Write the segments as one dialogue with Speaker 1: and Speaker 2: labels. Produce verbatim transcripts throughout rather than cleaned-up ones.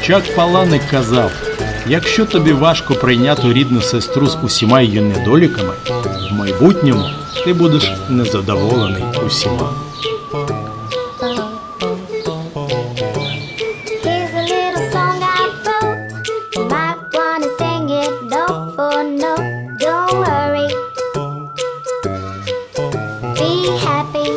Speaker 1: Чак Паланик казав, якщо тобі важко прийняти рідну сестру з усіма її недоліками, в майбутньому ти будеш незадоволений усіма.
Speaker 2: Here's a little song I wrote. You might wanna sing it note for note. Don't worry. Be happy.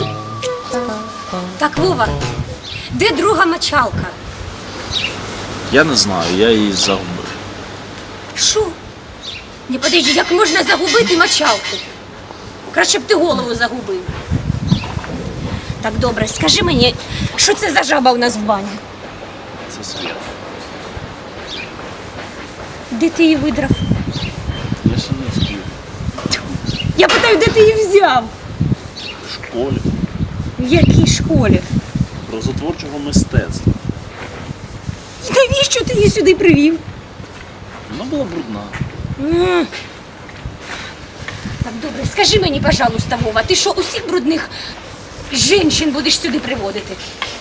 Speaker 3: Так, Вова, де друга мочалка?
Speaker 4: Я не знаю, я її загубив.
Speaker 3: Що? Не подожди, як можна загубити мочалку? Краще б ти голову загубив. Так, добре, скажи мені, що це за жаба у нас в бані?
Speaker 4: Це Свята.
Speaker 3: Де ти її видрав?
Speaker 4: Я ще не встиг.
Speaker 3: Я питаю, де ти її взяв?
Speaker 4: В школі.
Speaker 3: В якій школі?
Speaker 4: Розотворчого мистецтва.
Speaker 3: Навіщо ти її сюди привів?
Speaker 4: Вона була брудна.
Speaker 3: М. Так, добре, скажи мені, пожалуйста, Вова, ти що, усіх брудних жінчин будеш сюди приводити?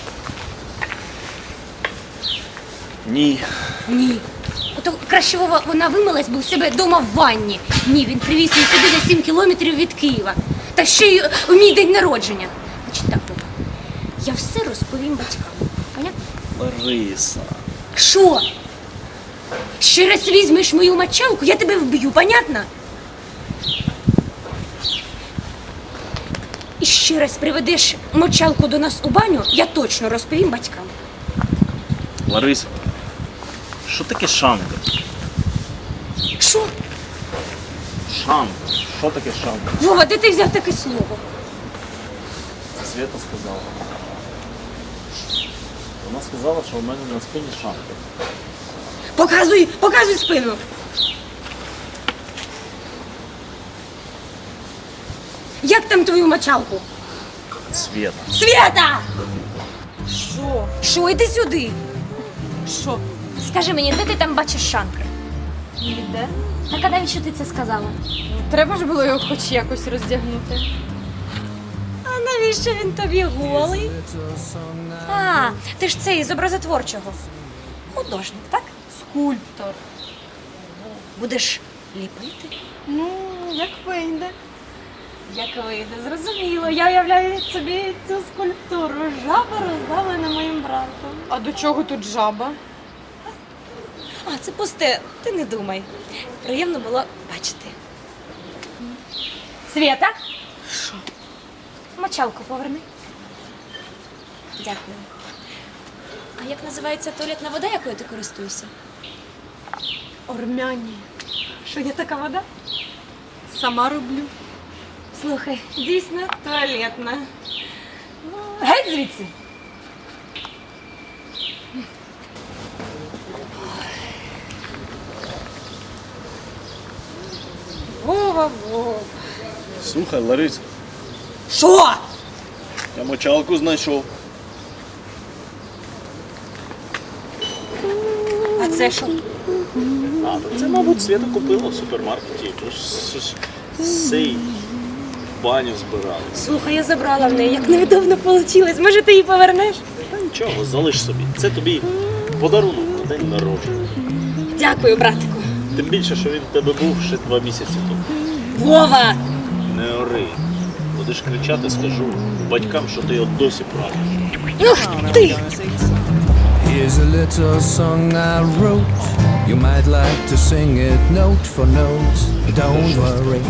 Speaker 4: Ні.
Speaker 3: Ні. Ото краще Вова, вона вимилась би у себе вдома в ванні. Ні, він привіз її сюди за сім кілометрів від Києва. Та ще й у мій день народження. Значить так, Вова, я все розповім батькам. Понятно?
Speaker 4: Лариса.
Speaker 3: Що? Ще раз візьмеш мою мочалку, я тебе вб'ю, понятно? І ще раз приведеш мочалку до нас у баню, я точно розповім батькам.
Speaker 4: Лариса. Що таке шанка?
Speaker 3: Що?
Speaker 4: Шанка. Що таке шанка?
Speaker 3: Вова, де ти взяв таке слово?
Speaker 4: Це Свята сказала. Вона сказала, що у мене на спині шанка.
Speaker 3: Показуй, показуй спину. Як там твою мочалку?
Speaker 4: Свята.
Speaker 3: Свята!
Speaker 5: Що?
Speaker 3: Що, іди сюди?
Speaker 5: Що?
Speaker 3: Скажи мені, де ти там бачиш шанкр?
Speaker 5: Ніде?
Speaker 3: Так а навіщо ти це сказала?
Speaker 5: Треба ж було його хоч якось роздягнути.
Speaker 3: А навіщо він тобі голий? А, ти ж цей з образотворчого. Художник, так?
Speaker 5: Скульптор.
Speaker 3: Будеш ліпити?
Speaker 5: Ну, як вийде.
Speaker 3: Як вийде, зрозуміло. Я уявляю собі цю скульптуру. Жаба роздавлена моїм братом.
Speaker 5: А до чого тут жаба?
Speaker 3: А, це пусте, ти не думай. Приємно було бачити. Свята? Що? Мочалку поверни. Дякую. А як називається туалетна вода, якою ти користуєшся?
Speaker 5: Ормяні.
Speaker 3: Що є така вода?
Speaker 5: Сама роблю.
Speaker 3: Слухай, дійсно туалетна. Ну, геть звідси. Вова, Вова.
Speaker 4: Слухай, Лариса,
Speaker 3: Що?
Speaker 4: я мочалку знайшов.
Speaker 3: А це що?
Speaker 4: А, та це, мабуть, Свята купила в супермаркеті. Тож ж сей баню збирали.
Speaker 3: Слухай, я забрала в неї, як невдобно вийшло. Може, ти її повернеш?
Speaker 4: Та нічого, залиш собі. Це тобі подарунок на день народження.
Speaker 3: Дякую, братику.
Speaker 4: Тим більше, що він в тебе був ще два місяці тому.
Speaker 3: Вова!
Speaker 4: Не ори. Будеш кричати, скажу батькам, що ти його досі правиш.
Speaker 3: Ух ти!
Speaker 6: Here's a little song I wrote. You might like to sing it note for note. Don't worry.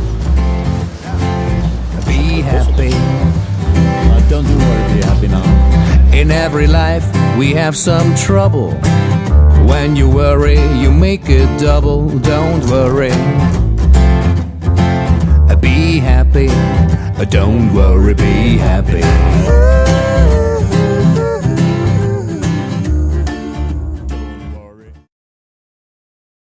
Speaker 6: Be happy.
Speaker 7: Don't you worry, be happy now.
Speaker 6: In every life we have some trouble. When you worry, you make it double. Don't worry. Be happy. Don't worry, be happy.